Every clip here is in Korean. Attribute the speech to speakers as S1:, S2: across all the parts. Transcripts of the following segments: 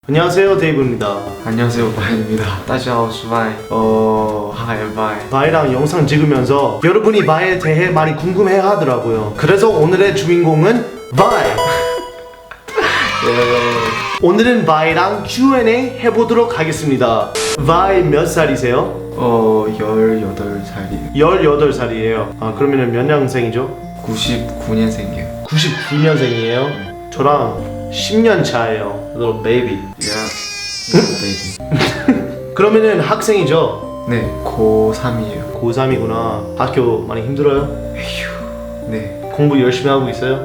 S1: 안녕하세요, 데이브입니다.
S2: 안녕하세요, 바이입니다. 大家好，我是바이. Hi, 바이.
S1: 바이랑 영상 찍으면서 여러분이 바이에 대해 많이 궁금해 하더라고요. 그래서 오늘의 주인공은 바이. 오늘은 바이랑 Q&A 해보도록 하겠습니다. 바이 몇 살이세요?
S2: 18살이에요.
S1: 18살이에요. 아, 그러면 몇 년생이죠?
S2: 99년생이에요.
S1: 99년생이에요. 저랑 10년 차예요. Little baby.
S2: baby.
S1: 그러면은 학생이죠?
S2: 네, 고3이에요.
S1: 고3이구나. 학교 많이 힘들어요?
S2: 네.
S1: 공부 열심히 하고 있어요?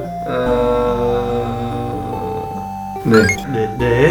S2: 네.
S1: 네.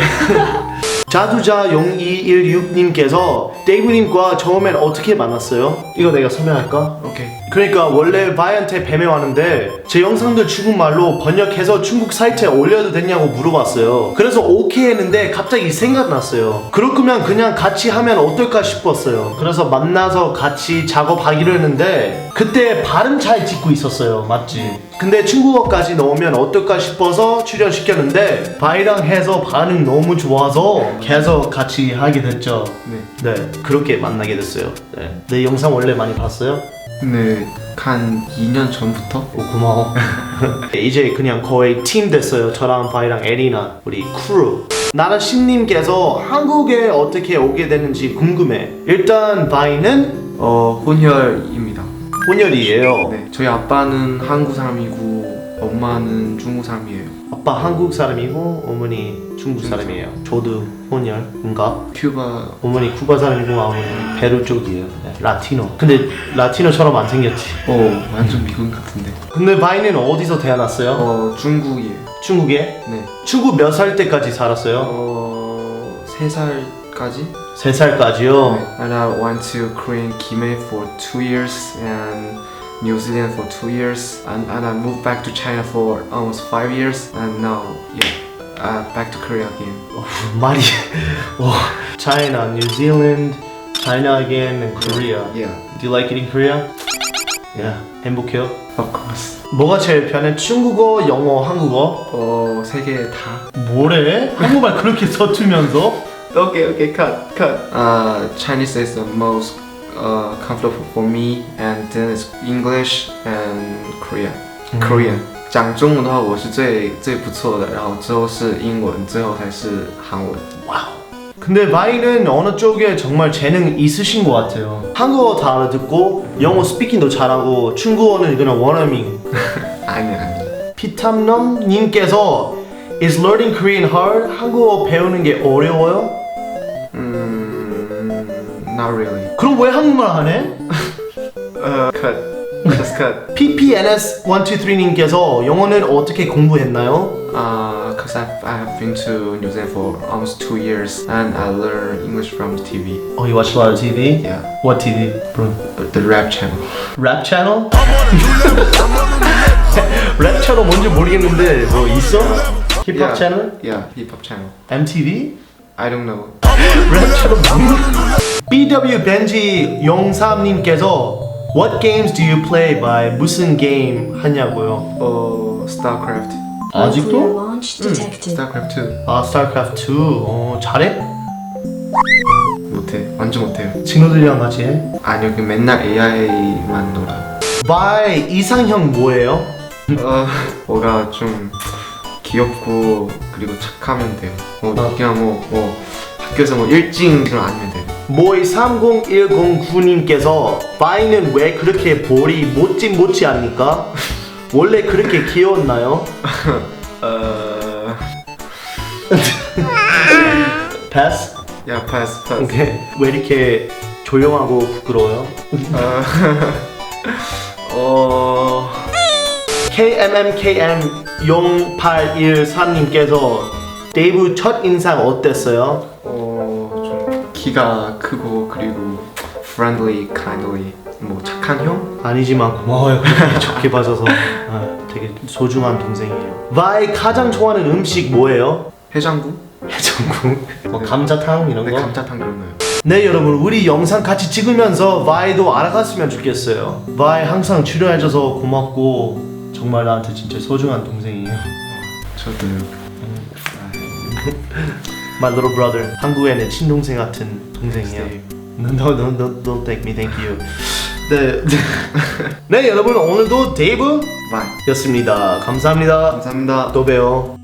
S1: 자두자 0216님께서 데이브님과 처음엔 어떻게 만났어요? 이거 내가 설명할까?
S2: 오케이.
S1: 그러니까 원래 바이한테 뱀에 왔는데 제 영상들 중국말로 번역해서 중국 사이트에 올려도 되냐고 물어봤어요. 그래서 오케이 했는데 갑자기 생각났어요. 그럴 거면 그냥 같이 하면 어떨까 싶었어요. 그래서 만나서 같이 작업하기로 했는데 그때 발음 잘 짓고 있었어요. 맞지? 근데 중국어까지 넣으면 어떨까 싶어서 출연시켰는데 바이랑 해서 반응 너무 좋아서 계속 같이 하게 됐죠. 네, 그렇게 만나게 됐어요. 네. 내 영상 원래 많이 봤어요?
S2: 네, 한 2년 전부터?
S1: 오, 고마워. 이제 그냥 거의 팀 됐어요. 저랑 바이랑 에리나 우리 크루. 나는 신님께서 한국에 어떻게 오게 됐는지 궁금해. 일단 바이는
S2: 혼혈입니다.
S1: 혼혈이에요.
S2: 네, 저희 아빠는 한국 사람이고 엄마는 중국 사람이에요.
S1: 아빠 한국 사람이고 어머니 중국 사람이에요. 저도 혼혈인가?
S2: 큐바.
S1: 어머니 쿠바 사람이고 어머니 페루 쪽이에요. 네, 라티노. 근데 라티노처럼 안 생겼지.
S2: 완전 미국 같은데.
S1: 근데 바이는 어디서 태어났어요?
S2: 중국이에요.
S1: 중국에?
S2: 네.
S1: 중국 몇 살 때까지 살았어요?
S2: 3살까지?
S1: 3살까지요?
S2: And I went to Korean Gimhae for 2 years and New Zealand for 2 years and I moved back to China for almost 5 years and now back to Korea again.
S1: 말이 China, New Zealand, China again, and Korea.
S2: Yeah,
S1: Do you like it in Korea? Yeah. 행복해요?
S2: of course.
S1: 뭐가 제일 편해? 중국어, 영어, 한국어?
S2: 3개 다.
S1: 뭐래? 한국말 그렇게 서투면서?
S2: Okay, cut. Chinese is the most comfortable for me and then it's English and Korean. 讲中文的话，我是最不错的，然后之后是英文，最后才是韩文。
S1: 와우. 근데 바이는 어느 쪽에 정말 재능 있으신 것 같아요. 한국어 다 알아듣고 영어 스피킹도 잘하고 중국어는 그냥 원어민.
S2: 아니.
S1: 피탐넘 님께서 Is learning Korean hard? 한국어 배우는 게 어려워요?
S2: Not really.
S1: 그럼 왜 한국말 하네?
S2: Cut. Just cut.
S1: PPNS123님께서 영어는 어떻게 공부했나요?
S2: Cause I have been to New Zealand for almost 2 years and I learned English from TV.
S1: Oh, you watch a lot of TV?
S2: Yeah.
S1: What TV, bro?
S2: The rap channel.
S1: Rap channel? 랩 채널 뭔지 모르겠는데 뭐 있어? 힙합 채널?
S2: Yeah, hip hop channel.
S1: MTV?
S2: I don't know.
S1: 랩 채널 뭐야? BW 벤지 03님께서 What games do you play by 무슨 게임 하냐고요?
S2: StarCraft.
S1: 아직도?
S3: Launch detected.
S2: StarCraft 2.
S1: 아, 스타크래프트 2. 잘해?
S2: 못해. 완전 못해요.
S1: 친구들이랑 같이 해?
S2: 아니요, 그 맨날 AI만 놀아요.
S1: 바이 이상형 뭐예요?
S2: 뭐가 좀 귀엽고 그리고 착하면 돼요. 그냥 뭐 학교에서 뭐 일진으로 아니면 돼요.
S1: 모이 30109님께서 바이는 왜 그렇게 볼이 못지 않니까? 원래 그렇게 귀여웠나요? 패스?
S2: 야, 패스.
S1: 오케이. 왜 이렇게 조용하고 부끄러워요? KMMKM0813님께서 데이브 첫 인상 어땠어요?
S2: 좀 키가 크고 그리고 friendly, kindly, 뭐 착한 형?
S1: 아니지만 고마워요. 그렇게 좋게 봐줘서. 되게 소중한 동생이에요. 바이 가장 좋아하는 음식 뭐예요?
S2: 해장국?
S1: 해장국? 뭐 감자탕 이런
S2: 네,
S1: 거?
S2: 감자탕 그런 거요.
S1: 네, 여러분, 우리 영상 같이 찍으면서 바이도 알아갔으면 좋겠어요. 바이 항상 출연해줘서 고맙고 정말 나한테 진짜 소중한 동생이에요.
S2: 저도요.
S1: My little brother. 한국의 내 친동생 같은 동생이야. Don't thank me, thank you. 네, 네 여러분 오늘도 데이브
S2: 바이.
S1: 였습니다. 감사합니다.
S2: 감사합니다.
S1: 또 봬요.